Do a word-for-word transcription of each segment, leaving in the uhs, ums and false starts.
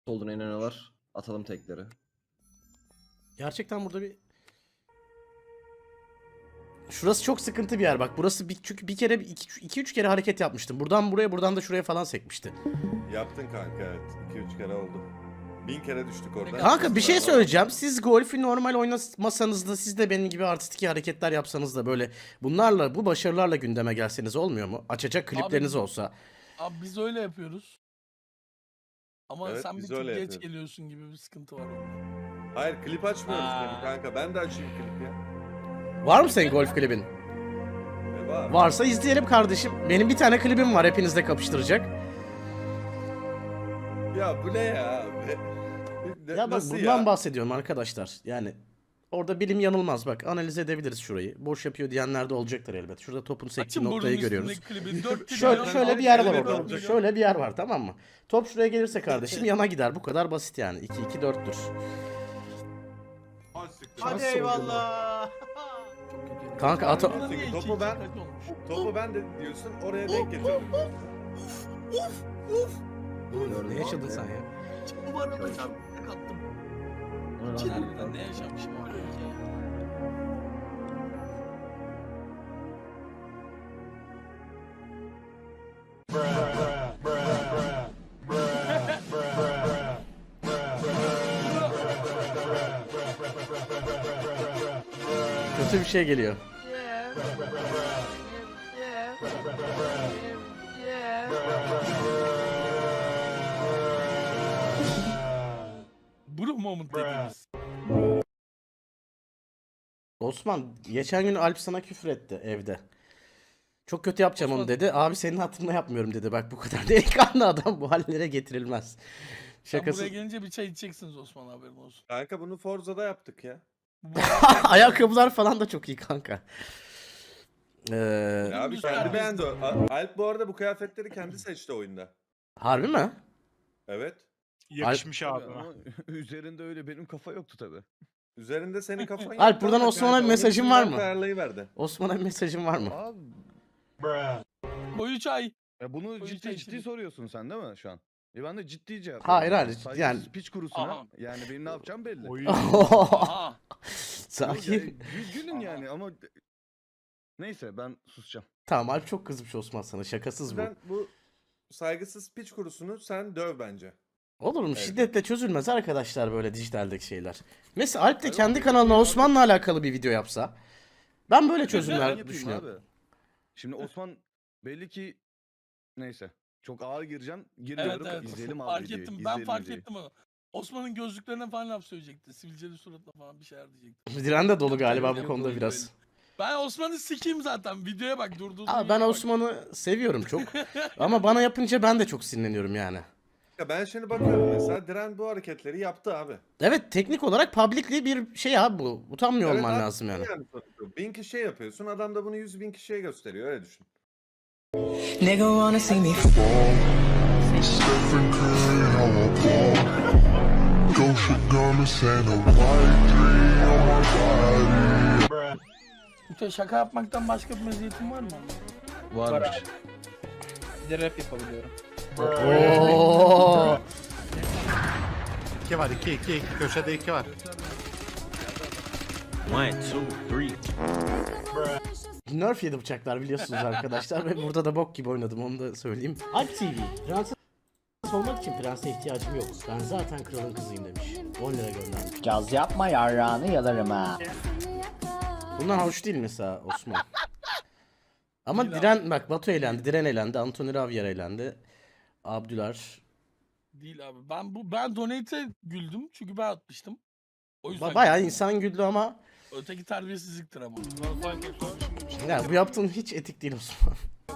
Olduğuna inanıyorlar. Atalım tekleri. Gerçekten burada bir... Şurası çok sıkıntı bir yer bak. Burası bir, çünkü bir kere iki üç kere hareket yapmıştım. Buradan buraya, buradan da şuraya falan sekmişti. Yaptın kanka, evet. iki üç kere oldu. Bin kere düştük orada. Kanka bir şey söyleyeceğim. Siz golfü normal oynamasanız da, siz de benim gibi artistik hareketler yapsanız da böyle bunlarla, bu başarılarla gündeme gelseniz olmuyor mu? Açacak klipleriniz Abi- olsa. Abi biz öyle yapıyoruz. Ama Evet, sen bir biz tık öyle geç yapıyoruz. geliyorsun gibi bir sıkıntı var orada. Hayır, klip açmıyoruz Aa. benim kanka. Ben de açayım klip ya. Var mı senin golf klibin? E var. Varsa izleyelim kardeşim. Benim bir tane klibim var, hepinizle kapıştıracak. Ya bu ne ya? Ne- Ya bak Nasıl bundan ya? bahsediyorum arkadaşlar. Yani orada bilim yanılmaz bak. Analiz edebiliriz şurayı. Boş yapıyor diyenler de olacaktır elbet. Şurada topun sektiği Açın burnun noktayı görüyoruz. üstündeki klibi. Dört Şöyle, milyon- şöyle bir yer var Evet, orada. olacak. Şöyle bir yer var, tamam mı? Top şuraya gelirse kardeşim yana gider. Bu kadar basit yani. iki iki dörttür. Hadi eyvallah. Kanka ata... Burada niye iki, Topu iki ben- kaç olmuş? Topu ben de diyorsun, oraya denk getirdim. Ne yaşadın sen ya? Bu arada çarpıda kattım. O ne lan? Harbiden ne yaşamışım orada ki ya. Kötü bir şey geliyor. Bro moment dediğimiz. Osman geçen gün Alp sana küfür etti evde. Çok kötü yapacağım onu Osman- dedi. Abi senin hatırına yapmıyorum dedi. Bak bu kadar delikanlı adam bu hallere getirilmez. Sen Şakası. buraya gelince bir çay içeceksiniz Osman, haberin olsun. Kanka bunu Forza'da yaptık ya. Bu- Ayakkabılar falan da çok iyi kanka. Ee, Ya abi Güzel. kendi beğendi o. A- Alp bu arada bu kıyafetleri kendi seçti oyunda. harbi mi? Evet. Yakışmış Tabii abi. ama üzerinde öyle benim kafa yoktu tabi. Üzerinde senin kafan yok. Alp, buradan ama Osman'a kanka, bir mesajın onun var yüzünden mı? ayarlayıverdi. Osman'a bir mesajın var mı? Abi Koyu çay. ya bunu Öyle ciddi şey ciddi şimdi. soruyorsun sen değil mi şu an? E ben de ciddi cevap Hayır, veriyorum. hayır, Saygısız yani- piç kurusuna. Aha. Yani benim ne yapacağım belli. Oy. Aha. Yok Sakin. ya, gü- gülün yani ama neyse ben susacağım. Tamam, Alp çok kızmış Osman sana. Şakasız bu. Sen bu saygısız piç kurusunu sen döv bence. Olur mu? Evet. Şiddetle çözülmez arkadaşlar böyle dijitaldeki şeyler. Mesela Alp de Hayır, kendi o- kanalına Osman'la alakalı bir video yapsa. Ben böyle Ben çözümler yapayım düşünüyorum. abi. Şimdi Osman belli ki neyse çok ağır gireceğim. Evet Girmiyorum. evet. İzleyelim abi Fark videoyu. ettim. Ben izleyelim fark videoyu. ettim onu. Osman'ın gözlüklerine falan laf söyleyecekti. Sivilceli suratla falan bir şeyler diyecekti. Diren de dolu galiba bu Yok, konuda yok, biraz. Ben Osman'ı sikeyim zaten. Videoya bak, durduğu Aa, ben Osman'ı seviyorum çok. Ama bana yapınca ben de çok sinirleniyorum yani. Ya ben şimdi bakıyorum mesela Diren bu hareketleri yaptı abi. Evet, teknik olarak publicly bir şey abi bu. Utanmıyor Evet olman abi, lazım yani. sonuçta. Bin kişiye yapıyorsun, adam da bunu yüz bin kişiye gösteriyor, öyle düşün. Nigga wanna see me Stephen Curry, how I ball. Gosha garments and a white three on my body. Mute, şaka yapmaktan başka bir meziyetin var mı? Varmış. Bir de rap yapabiliyorum. Oo. iki var, iki, iki, iki. Köşede iki var. One, two, three. Nerf yedi bıçaklar biliyorsunuz arkadaşlar ve burada da bok gibi oynadım, onu da söyleyeyim. Alp T V, prenses olmak için prense ihtiyacım yok. Ben zaten kralın kızıyım demiş. on lira göndermiş. Caz yapma, yarrağını yalarım ha. Bundan hoş değil mesela Osman. Ama Değil abi. Diren, bak Batu eğlendi, Diren eğlendi, Anthony Ravier eğlendi. Abdüler. Değil abi. Ben bu ben donate'e güldüm çünkü ben atmıştım. O yüzden Ba- bayağı güldüm. insan güldü ama Öteki terbiyesizliktir ama. ya bu yaptığın hiç etik değil Osman.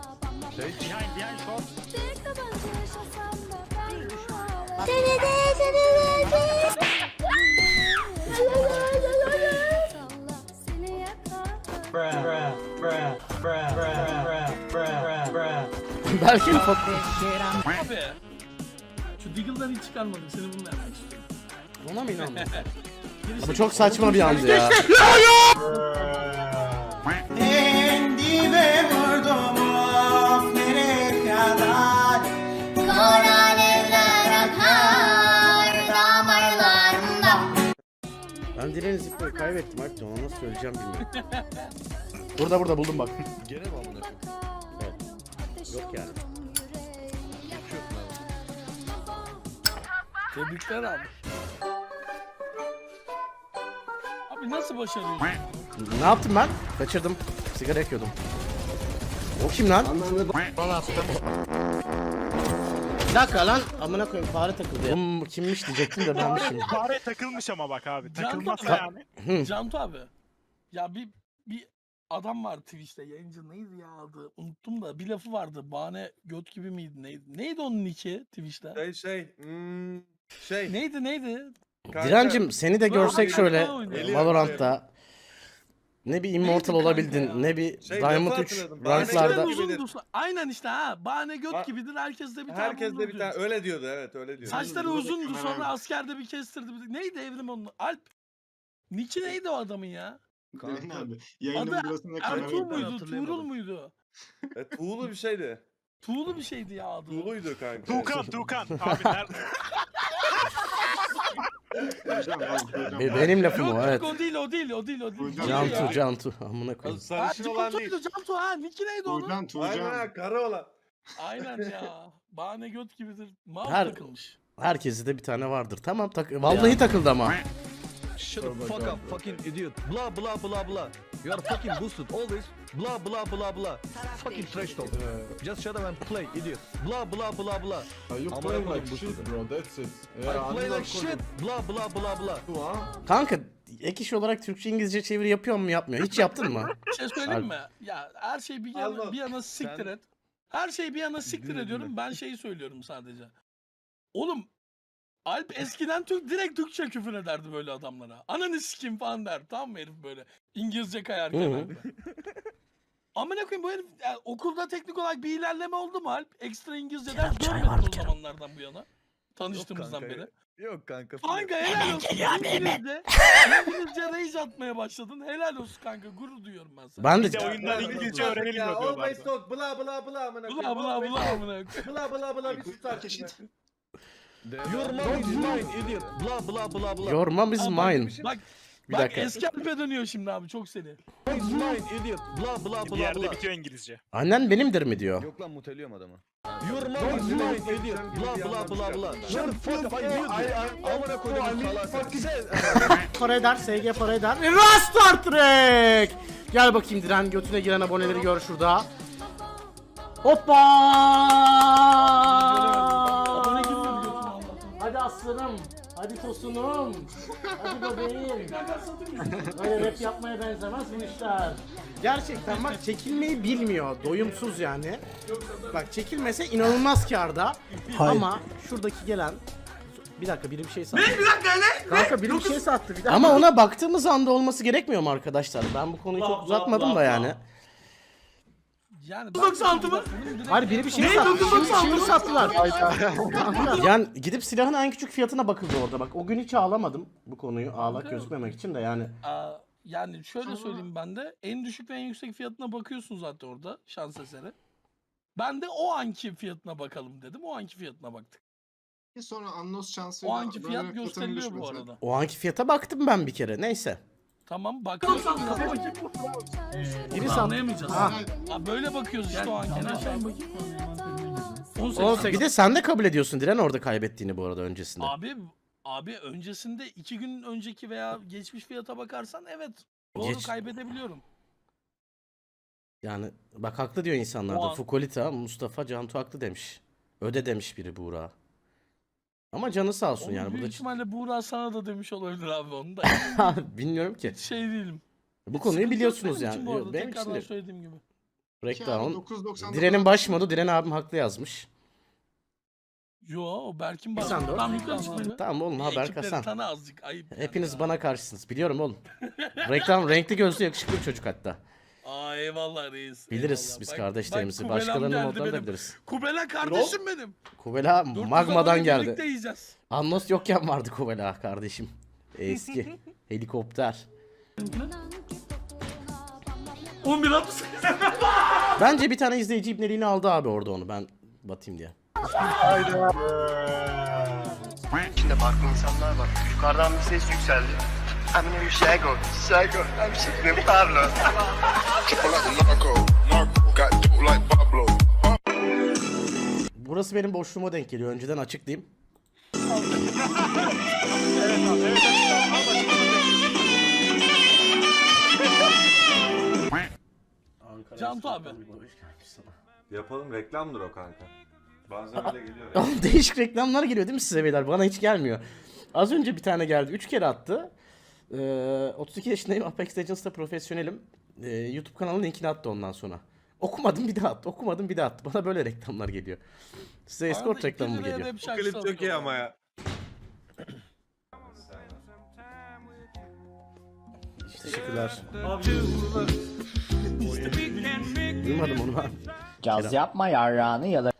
Belki bir foto- Abi. Şu Deagle'dan hiç çıkarmadım. Seni bununla yapmak istiyorum. Ona mı inandın? Gerisi- Bu çok saçma bir andı ya. Kendime vurdum of nereye kadar Kor alevler akar Ben direğini zıplayıp kaybettim artık ona nasıl söyleyeceğim bilmiyorum. Burada burada buldum bak. Gene mi amına koyayım? Yok yani. Geçiyorsun abi. Tebrikler abi. Abi nasıl başarıyorsun? Ne yaptım ben? Kaçırdım. Sigara yakıyordum. O kim lan? Bana attım. Bir dakika lan. Amına koyayım fare takıldı ya. Oğlum kimmiş diyecektim de benmişim. Fare takılmış ama bak abi. Can Takılmazsa Ka- yani. Hı. Cantu abi. Ya bir bir adam var Twitch'te yayıncı neydi ya adı? Unuttum da bir lafı vardı. Bahane göt gibi miydi neydi? Neydi onun nicki Twitch'te? Şey şey. Hmm, şey. Neydi neydi? kanka, Direncim seni de görsek Aa, şöyle oynuyor. Geliyorum, Valorant'ta ne bir immortal Neydi olabildin kanka ya? ne bir Şey, Diamond lafı üç hatırladım. Bahane ranklarda. göt Uzun gibidir. dursun. Aynen işte ha. Bahane göt Ba- gibidir. Herkes de bir tane Herkes de bulur bir tane diyor. öyle diyordu, evet öyle diyordu. Saçları uzundu sonra askerde bir kestirdi. Neydi Evrim onun? Alp. Nicki neydi o adamın ya? Kanka. Adı Ertuğrul Ben muydu? hatırlayamadım. Tuğrul muydu? E, tuğlu bir şeydi. Tuğlu bir şeydi ya adı. Tuğluydu kanka. Tuğkan Tuğkan. Abi nerede? Be- benim lafım Yok o yok evet. o değil o değil o değil o değil. Değil Cantu ya. Cantu amına koyayım. Ha, Sarışın olan değil. Cantu'ydu Cantu ha. Nicki neydi onun? Aynen karı olan. Aynen ya. Bahane göt gibidir. Mouse Her- takılmış. Herkeste de bir tane vardır. Tamam tak vallahi takıldı ama. Shut the fuck up fucking idiot. Blah blah blah blah. You are fucking boosted always. Blah blah blah blah. Fucking trash talk. Just shut up and play idiot. Blah blah blah blah. You Amına play koyayım like boosted. shit bro, that's it. I play like shit. Blah blah blah blah. Kanka ek iş olarak Türkçe İngilizce çeviri yapıyor mu yapmıyor? Hiç yaptın mı? Bir şey söyleyeyim mi? Ya her şey bir yana, Allah. bir yana siktir Sen- et. Her şeyi bir yana siktir Dinle, ediyorum. dinle. Ben şeyi söylüyorum sadece. Oğlum Alp eskiden Türk direkt Türkçe küfür ederdi böyle adamlara. Ananı sikim falan der. Tamam mı herif böyle? İngilizce kayarken. Hı hı. böyle. Amına koyayım bu herif yani okulda teknik olarak bir ilerleme oldu mu Alp? Ekstra İngilizce ders çay görmedi var bir o kere. zamanlardan bu yana. Tanıştığımızdan kanka beri. Yok kanka. Kanka helal olsun. İngilizce, İngilizce rage atmaya başladın. Helal olsun kanka. Gurur duyuyorum ben sana. Ben Bir de de oyunlar İngilizce Ya öğrenilmiyor always diyorlardı. talk bla bla bla amına Bula koyayım. bula Always bula talk. amına koyayım. Bla bla bla bir sus artık. Your mom is mine idiot. Blah blah blah blah. Your mom is Ama- mine. Bak, Bir bak dakika. eski Alp'e dönüyor şimdi abi çok seni. Is mine idiot. Blah blah Bir blah yerde blah. bitiyor İngilizce. Annen benimdir mi diyor. Yok lan muteliyorum adamı. Your mom is mine idiot. Blah blah blah blah. Shut the fuck up I knew this. Amına koydum salak. Para eder, S G para eder. Star Trek! Gel bakayım Diren götüne giren aboneleri gör şurada. Hoppa! Abone girmedi götüme Allah'tan. Hadi aslanım. Hadi tosunum. Hadi bebeğim. Böyle rap yapmaya benzemez bu işler. Gerçekten bak çekilmeyi bilmiyor. Doyumsuz yani. Bak çekilmese inanılmaz kârda. Ama şuradaki gelen... Bir dakika biri bir şey sattı. Ne? Bir dakika ne? Kanka biri bir şey sattı. Bir dakika. Ama ona baktığımız anda olması gerekmiyor mu arkadaşlar? Ben bu konuyu çok uzatmadım da yani. Yani doksan altı mı? Hayır biri bir şey sattı. Şimdi, şimdi sattılar. Yani gidip silahın en küçük fiyatına bakıldı orada. Bak o gün hiç ağlamadım bu konuyu ağlak gözükmemek için de yani. Aa, yani şöyle söyleyeyim ben de en düşük ve en yüksek fiyatına bakıyorsun zaten orada şans eseri. Ben de o anki fiyatına bakalım dedim. O anki fiyatına baktık. Sonra Annos şansıyla O anki fiyat gösteriliyor bu arada. O anki fiyata baktım ben bir kere. Neyse. Tamam bakıyorsun. Biri Bunu sattı. anlayamayacağız. Ha. Ha, böyle bakıyoruz işte o anki. Ne şey on sekiz. Bir de sen de kabul ediyorsun Diren orada kaybettiğini bu arada öncesinde. Abi abi öncesinde iki gün önceki veya geçmiş fiyata bakarsan evet doğru Geç- kaybedebiliyorum. Yani bak haklı diyor insanlar O da. an- Fukolita, Mustafa, Cantu haklı demiş. Öde demiş biri Buğra. Ama canı sağ olsun Onu yani büyük burada. ihtimalle Buğra sana da demiş olabilir abi onu da. Bilmiyorum ki. Şey değilim. Bu konuyu Sıkıntı yok biliyorsunuz benim için yani. bu arada, Yok, benim için tekrardan de. söylediğim gibi. Breakdown. Diren'in baş modu. Diren abim haklı yazmış. Yo o Berk'in Sen de bak. o. Tam yukarı çıkmadı. Tamam oğlum haber Ekipleri kasan. tanı azıcık ayıp. yani Hepiniz ya. bana karşısınız. Biliyorum oğlum. Reklam renkli gözlü yakışıklı bir çocuk hatta. Aa eyvallah reis. Biliriz eyvallah. biz Bak- kardeşlerimizi. bak Kubelam Başkalarının geldi modlarını da benim. biliriz. Kubela kardeşim benim. Kubela Dur, magmadan biz geldi. Birlikte yiyeceğiz. Annos yokken vardı Kubela kardeşim. Eski. Helikopter. on bir altmış. Bence bir tane izleyici ibneliğini aldı abi orada onu ben batayım diye. İçinde farklı insanlar var. Yukarıdan bir ses yükseldi. I'm named Shago. Shago. I'm Shago Pablo. Burası benim boşluğuma denk geliyor. Önceden açık diyeyim. Cantu abi. Yapalım, reklamdır o kanka. Bazen öyle geliyor ya. Oğlum değişik reklamlar geliyor değil mi size beyler? Bana hiç gelmiyor. Az önce bir tane geldi. Üç kere attı. Ee, otuz iki yaşındayım. Apex Legends'ta profesyonelim. Ee, YouTube kanalının linkini attı ondan sonra. Okumadım bir daha attı. Okumadım bir daha attı. Bana böyle reklamlar geliyor. Size escort Arada reklamı mı iki liraya geliyor? rap Bu şarkısı klip çok iyi atıyorlar. ama ya. Teşekkürler. Duymadım onu ben. Caz yapma yarrağını ya da